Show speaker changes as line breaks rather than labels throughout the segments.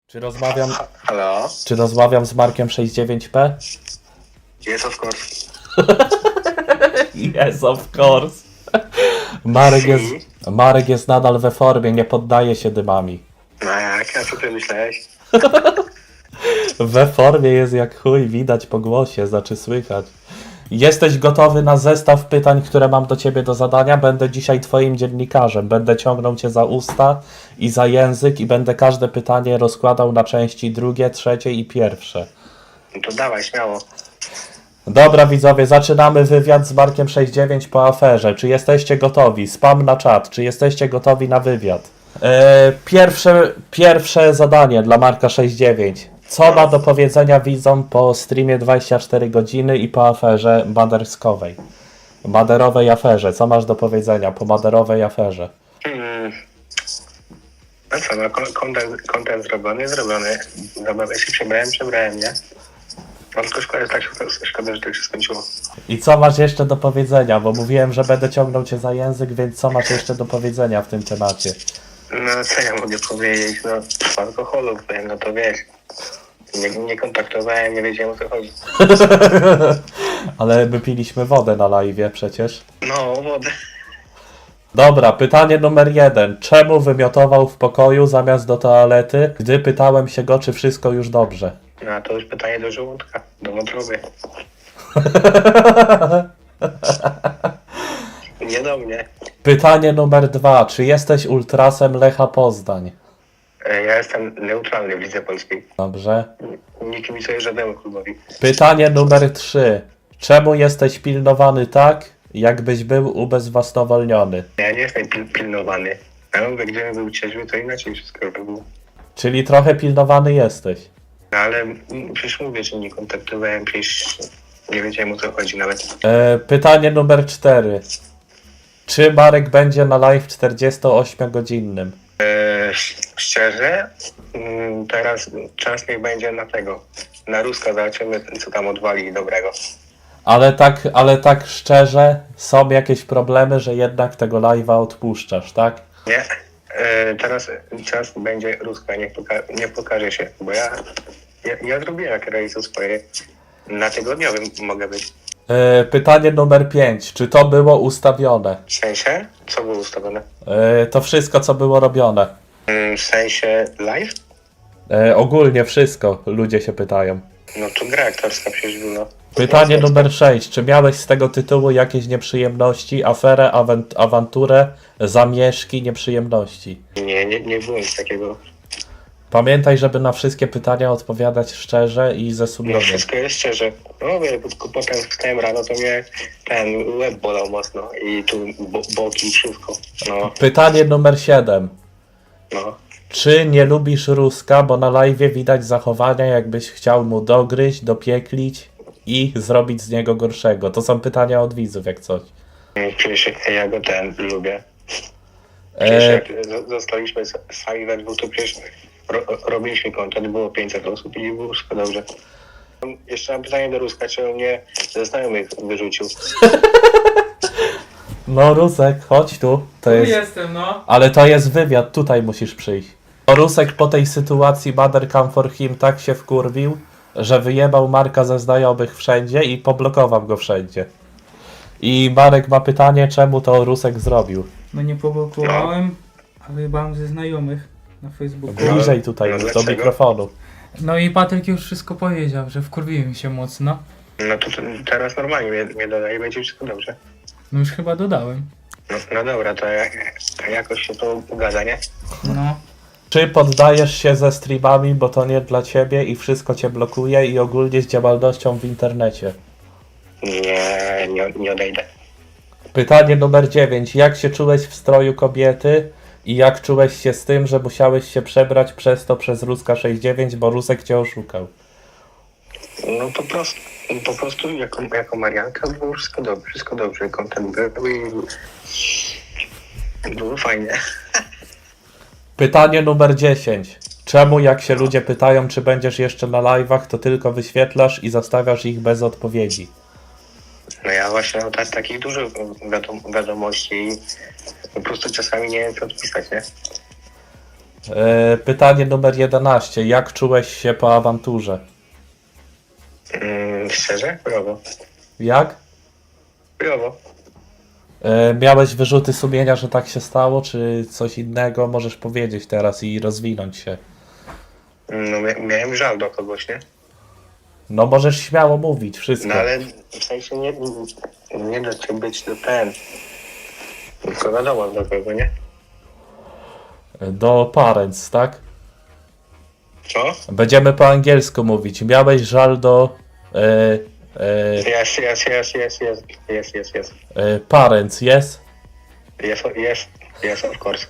Czy rozmawiam,
Halo?
czy rozmawiam z Markiem 69P?
Yes, of course.
Yes, of course. Marek jest nadal we formie, nie poddaje się dymami.
No jak? A co ty myślałeś?
We formie jest jak chuj, widać po głosie, znaczy słychać. Jesteś gotowy na zestaw pytań, które mam do ciebie do zadania? Będę dzisiaj twoim dziennikarzem. Będę ciągnął cię za usta i za język i będę każde pytanie rozkładał na części drugie, trzecie i pierwsze.
No to dawaj, śmiało.
Dobra widzowie, zaczynamy wywiad z Markiem 69 po aferze. Czy jesteście gotowi? Spam na czat. Czy jesteście gotowi na wywiad? Pierwsze zadanie dla Marka 69. Co ma do powiedzenia widzom po streamie 24 godziny i po aferze maderskowej? Maderowej aferze. Co masz do powiedzenia po maderowej aferze?
No co, no content zrobiony. Zabawę się przebrałem, nie? No tylko szkoda, że tak się skończyło.
I co masz jeszcze do powiedzenia? Bo mówiłem, że będę ciągnął cię za język, więc co masz jeszcze do powiedzenia w tym temacie?
No co ja mogę powiedzieć? No w alkoholu byłem, no to wiesz. Nie kontaktowałem, nie wiedziałem o co chodzi.
Ale my piliśmy wodę na live'ie przecież.
No, wodę.
Dobra, pytanie numer 1. Czemu wymiotował w pokoju zamiast do toalety, gdy pytałem się go, czy wszystko już dobrze?
No a to już pytanie do żołądka, do wątroby. Nie do mnie.
Pytanie numer 2. Czy jesteś ultrasem Lecha Poznań?
Ja jestem neutralny w Lidze Polskiej.
Dobrze.
Nie kibicuję żadnemu klubowi.
Pytanie numer 3. Czemu jesteś pilnowany tak, jakbyś był ubezwłasnowolniony?
Ja nie jestem pilnowany. Ja mówię, gdybym był trzeźwy, to inaczej wszystko by było.
Czyli trochę pilnowany jesteś.
No ale przecież mówię, że nie kontaktowałem, przecież nie wiedziałem o co chodzi nawet.
Pytanie numer 4. Czy Marek będzie na live 48-godzinnym?
Szczerze, teraz czas niech będzie na tego. Na Ruska zobaczymy, co tam odwali dobrego.
Ale tak szczerze, są jakieś problemy, że jednak tego live'a odpuszczasz, tak?
Nie? Teraz czas będzie Ruska, niech pokaże się, bo ja zrobiłem jak realizuję swoje. Na tygodniowym mogę być.
Pytanie numer 5. Czy to było ustawione?
W sensie? Co było ustawione?
To wszystko, co było robione.
W sensie live?
Ogólnie wszystko, ludzie się pytają.
No to gra aktorska przecież była.
Pytanie numer 6. Czy miałeś z tego tytułu jakieś nieprzyjemności, aferę, awanturę, zamieszki, nieprzyjemności?
Nie było nic takiego.
Pamiętaj, żeby na wszystkie pytania odpowiadać szczerze i ze
No
sumieniem.
wszystko jest szczerze. No wie, tylko potem wstałem rano, to mnie ten łeb bolał mocno i tu boki i wszystko. No,
Pytanie numer 7.
no.
Czy nie lubisz Ruska, bo na live'ie widać zachowania, jakbyś chciał mu dogryźć, dopieklić i zrobić z niego gorszego? To są pytania od widzów, jak coś.
Przecież ja go lubię. Przecież jak zostaliśmy sami we dwóch, to przecież robiliśmy content, było 500 osób i było wszystko dobrze. Jeszcze mam pytanie do Ruska, czy on mnie ze znajomych wyrzucił?
No Rusek, chodź tu. To
Tu
jest...
jestem, no.
Ale to jest wywiad, tutaj musisz przyjść. Rusek po tej sytuacji Mother Come For Him tak się wkurwił, że wyjebał Marka ze znajomych wszędzie i poblokował go wszędzie. I Marek ma pytanie, czemu to Rusek zrobił.
No nie poblokowałem, ale mam ze znajomych na Facebooku.
Bliżej tutaj,
No
do
dlaczego?
mikrofonu.
No i Patryk już wszystko powiedział, że wkurwiłem się mocno.
No to teraz normalnie mnie dodaje i będzie wszystko dobrze.
No już chyba dodałem.
No dobra, to jakoś się to ugada, nie?
No.
Czy poddajesz się ze streamami, bo to nie dla ciebie i wszystko cię blokuje i ogólnie z działalnością w internecie?
Nie odejdę.
Pytanie numer 9. Jak się czułeś w stroju kobiety i jak czułeś się z tym, że musiałeś się przebrać przez Ruska 69, bo Rusek cię oszukał?
No po prostu jako Marianka było wszystko dobrze. Content był i było fajnie.
Pytanie numer 10. Czemu jak się ludzie pytają, czy będziesz jeszcze na live'ach, to tylko wyświetlasz i zostawiasz ich bez odpowiedzi?
No ja właśnie mam takich dużo wiadomości i po prostu czasami nie wiem co odpisać, nie?
Pytanie numer 11. Jak czułeś się po awanturze?
Szczerze? Brawo.
Jak?
Brawo.
Miałeś wyrzuty sumienia, że tak się stało, czy coś innego? Możesz powiedzieć teraz i rozwinąć się.
No miałem żal do kogoś, nie?
No możesz śmiało mówić wszystko.
No ale w sensie nie da się być do ten. Tylko wiadomo do kogo, nie?
Do parents, tak?
Co?
Będziemy po angielsku mówić. Miałeś żal do
Yes.
parents, yes?
Yes, of course.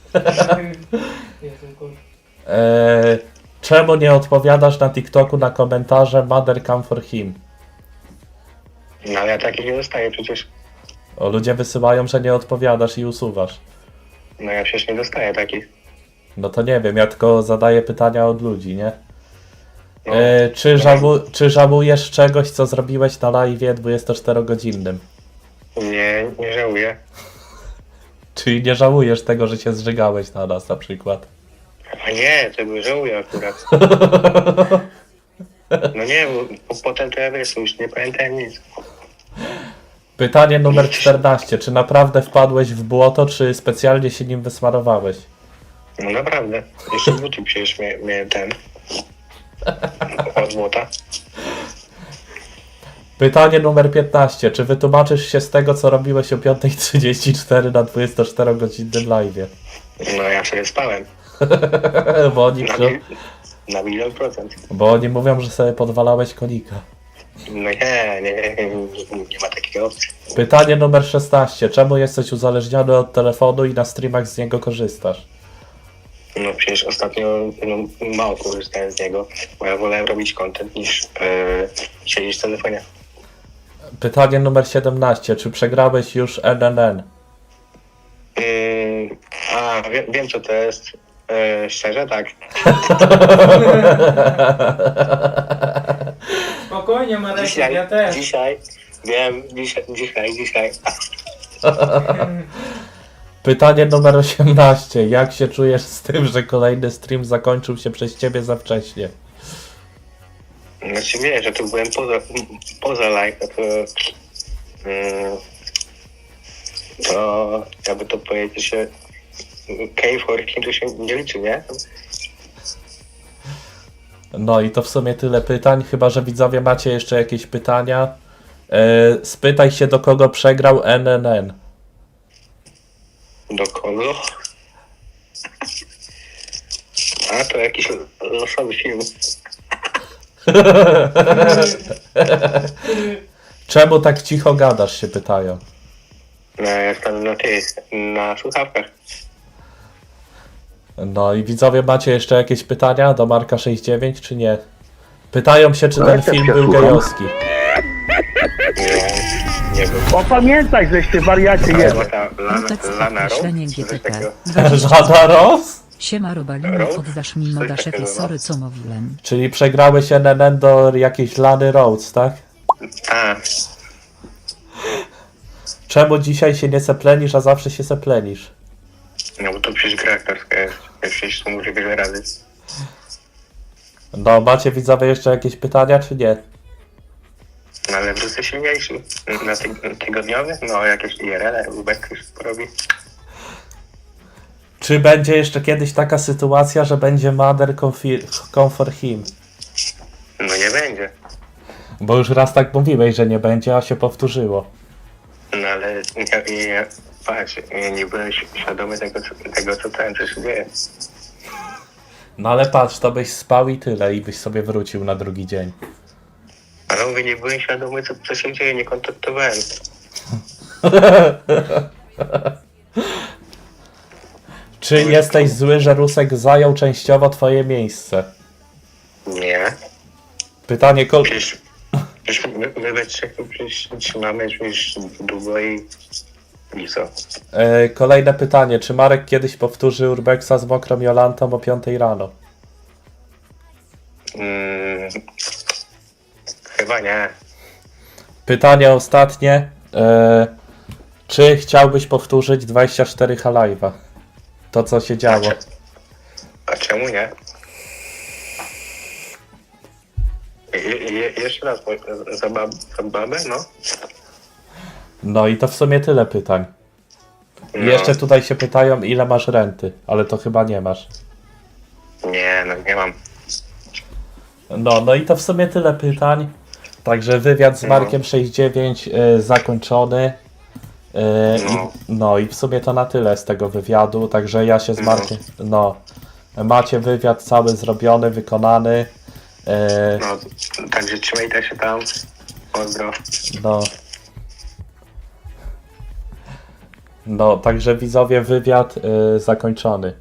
Czemu nie odpowiadasz na TikToku na komentarze Mother come for him?
No ale ja takich nie dostaję przecież.
O, ludzie wysyłają, że nie odpowiadasz i usuwasz.
No ja przecież nie dostaję takich.
No to nie wiem, ja tylko zadaję pytania od ludzi, nie?
No,
Czy żałujesz czegoś, co zrobiłeś na live'ie 24-godzinnym?
nie żałuję.
Czyli nie żałujesz tego, że się zżygałeś na nas na przykład?
A nie, tego żałuję akurat. No nie, bo potem to ja wiesz, już nie pamiętam nic.
Pytanie numer 14. Czy naprawdę wpadłeś w błoto, czy specjalnie się nim wysmarowałeś?
No naprawdę. Jeszcze buty przecież miałem ten. Od złota.
Pytanie numer 15. Czy wytłumaczysz się z tego, co robiłeś o 5:34 na 24-godzinnym live'ie?
No ja sobie spałem. Na milion procent.
Bo oni mówią, że sobie podwalałeś konika.
No nie ma takiej opcji.
Pytanie numer 16. Czemu jesteś uzależniony od telefonu i na streamach z niego korzystasz?
No przecież ostatnio mało korzystałem z niego, bo ja wolałem robić content niż siedzieć w telefonie.
Pytanie numer 17. Czy przegrałeś już NNN?
Wiem co to jest. Szczerze tak.
Spokojnie, Marek, ja też.
Dzisiaj.
Pytanie numer 18. Jak się czujesz z tym, że kolejny stream zakończył się przez ciebie za wcześnie?
Znaczy wiesz, że to byłem poza live, to jakby to powiedzieć, że K4 kim to się nie liczy, nie?
No i to w sumie tyle pytań, chyba że widzowie macie jeszcze jakieś pytania. Spytaj się, do kogo przegrał NNN.
Do kogo? A to jakiś losowy film.
Czemu tak cicho gadasz, się pytają.
No, jestem na słuchawkach.
No i widzowie macie jeszcze jakieś pytania do Marka 69 czy nie? Pytają się, czy ten film był gejowski.
Nie był.
Opamiętaj, żeś ty wariacie jest.
Lana Rose?
Określenie
Coś
GTP.
takiego.
Żada Ross?
Siema Robalino,
Rose?
oddasz mi
Coś
modaszefie,
takiego, no.
sorry co mówiłem.
Czyli przegrałeś NNN do jakiejś Lany Rhodes, tak?
A,
Czemu dzisiaj się nie seplenisz, a zawsze się seplenisz?
no bo to przecież gra aktorska jest. Ja przecież to mówię wiele razy.
No, macie widzowie jeszcze jakieś pytania, czy nie?
No ale wrócę silniejszy. Na tygodniowy? No jakieś IRL, Ubek już porobi.
Czy będzie jeszcze kiedyś taka sytuacja, że będzie Mother come for him?
No nie będzie.
Bo już raz tak mówiłeś, że nie będzie, a się powtórzyło.
No ale patrz, nie byłem świadomy tego co tam co się dzieje.
No ale patrz, to byś spał i tyle, i byś sobie wrócił na drugi dzień.
Ale mówię, nie byłem świadomy co się dzieje, nie kontaktowałem.
Czy jesteś zły, że Rusek zajął częściowo twoje miejsce?
Nie.
Pytanie
Przecież my we trzech to przecież trzymamy już długo i co?
Kolejne pytanie. Czy Marek kiedyś powtórzy Urbexa z mokrą Jolantą o 5 rano?
Chyba nie.
Pytanie ostatnie. Czy chciałbyś powtórzyć 24 H Live'a? To co się działo.
A czemu nie? Jeszcze raz, za babę, no?
No i to w sumie tyle pytań. I
No.
jeszcze tutaj się pytają, ile masz renty, ale to chyba nie masz.
Nie, no nie mam.
No i to w sumie tyle pytań. Także wywiad z Markiem 69 zakończony.
No.
I w sumie to na tyle z tego wywiadu. Także ja się z Markiem. Macie wywiad cały zrobiony, wykonany.
No, także trzymajcie się tam. Pozdro.
Także widzowie, wywiad zakończony.